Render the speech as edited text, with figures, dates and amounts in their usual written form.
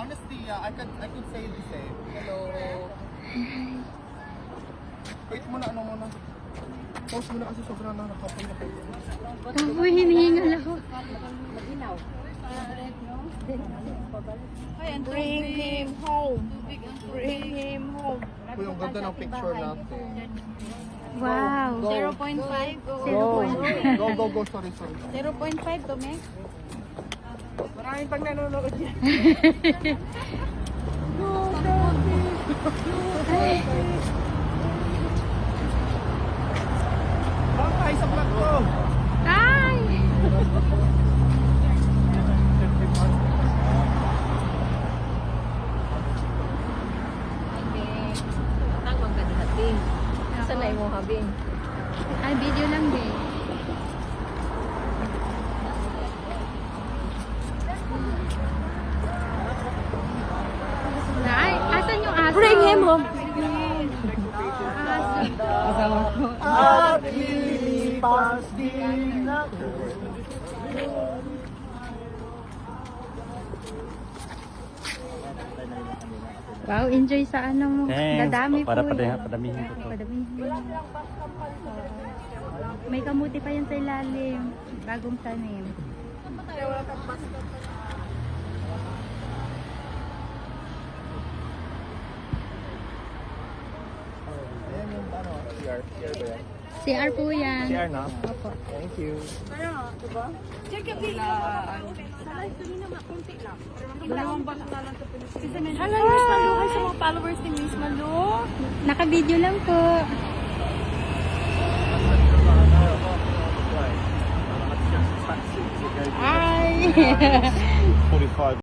Honestly, I could say the same. Hello. Wait muna, ano muna. Pause muna kasi sobrang nakakapal na kayo. Uy, hinihingal ako. Bring him home. Bring him home. Uy, ang ganda ng picture natin. Wow. 0.5. Go, sorry. 0.5 to, Meg. Maraming pag nanonood yan. Bye, sa vlog ko. Ay! Tangwag ka din natin. Sanay mo, habing. Ay, video lang din. Ay, asan yung aso? Bring him home. Aso. At lilipas din ako. Wow, enjoy sa ano mo. Dadami po. Padamihin ko to. Padamihin. May kamuti pa yan sa ilalim. Bagong tanim. Ayan yung ano, CR ba yan? CR po yan. CR na? Thank you. Hello, saluhan sa mga followers ni Miss Malu. Naka-video lang po. Ay! 45.